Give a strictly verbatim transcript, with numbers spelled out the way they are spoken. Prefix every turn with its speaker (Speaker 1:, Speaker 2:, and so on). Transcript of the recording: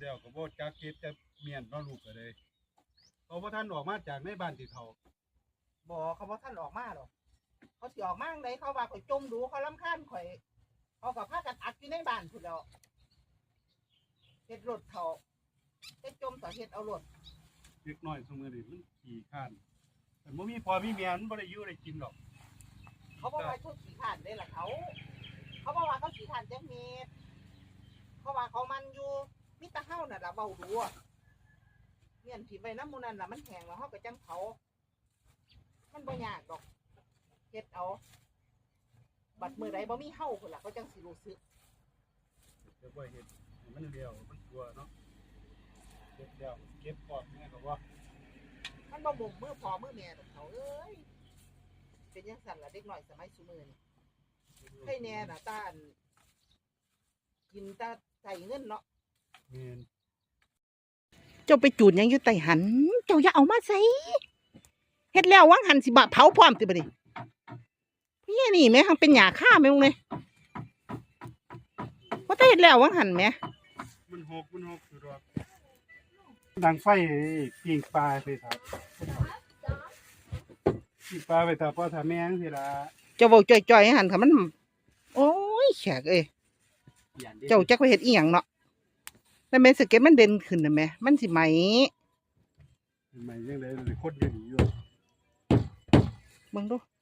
Speaker 1: แล้วก็บ่จักเก็บจะเมียนเนาะลูกก็เลยเขาบ่ทันออกมาจากในบ้านที่เขา
Speaker 2: บ่เขาบ่ท่านออกมาหรอกเขาสิออกมาจังไดเขาว่าข่อยจมดูเขารำคาญข่อยเขาก็พากันอัดอยู่ในบ้านพุ่นแล้วเฮ็ดรถเขาเฮ็ดจมต่อเฮ็ดเอารถ
Speaker 1: เล็กน้อยซุมื้อนี้มันขี้คร้านแต่บ่มีพ่อมีแม่มันบ่ได้อยู่ได้กินหรอก
Speaker 2: เขาบอกว่าเขาขี้ข้านได้ล่ะเขาเขาบอกว่าเขาขี้ข้านจักเม็ดเขาว่าเขามันอยู่มิตรเฮาน่ะล่ะเว้าดูอ่ะเมียนที่ไว้น้ำมูนั่นล่ะมันแห้งแล้วเฮาก็จังเผามันบ่ยากดอกเฮ็ดเอาบัดมื้อใดบ่มีเฮาพุ่นล่ะเขาจังสิรู้สึก
Speaker 1: จะบ่เฮ็ดให้มันเลี้ยวมันกลัวเนาะเก็บแล้วเก็บปอดแม่ก็ว่า
Speaker 2: มันบ่บ่มมือพอมือแม่ดอกเขาเอ้ยเป็นจังซั่นล่ะเด็กน้อยสมัยซุมื้อนี้ให้แน่น่ะตาอันกินตาใส่เงินเนาะ
Speaker 1: แม่น
Speaker 3: เจ้าไปจูดยังอยู่ใต้หันเจ้าอย่าเอามาใส่เฮ็ดแล้ววังหันสิบะเผาพร้อมติบ่ดิพี่นี่แม่หังเป็นหญ้าค่าแม่งเลยว่าแต่เฮ็ดแล้ววังหันแม่
Speaker 1: มันหกมันหกอยู่ดอกดังไฟปิ้งปลาไปครับปิ้งปลาไปถ้าพ่อถ้าแม่จังซี่ล่ะ
Speaker 3: เจ้าเว้าจ่อยๆหันค่ะมันโอ้ยแขกเอ้ยเจ้าจักไปเฮ็ดอีหยังเนาะแล้วแม่สเก็ตมันเด่นขึ้นน่ะแม่มันสิไหม
Speaker 1: ใหม่จังได๋คนอยู่นี่อยู่
Speaker 3: เบิ่งดู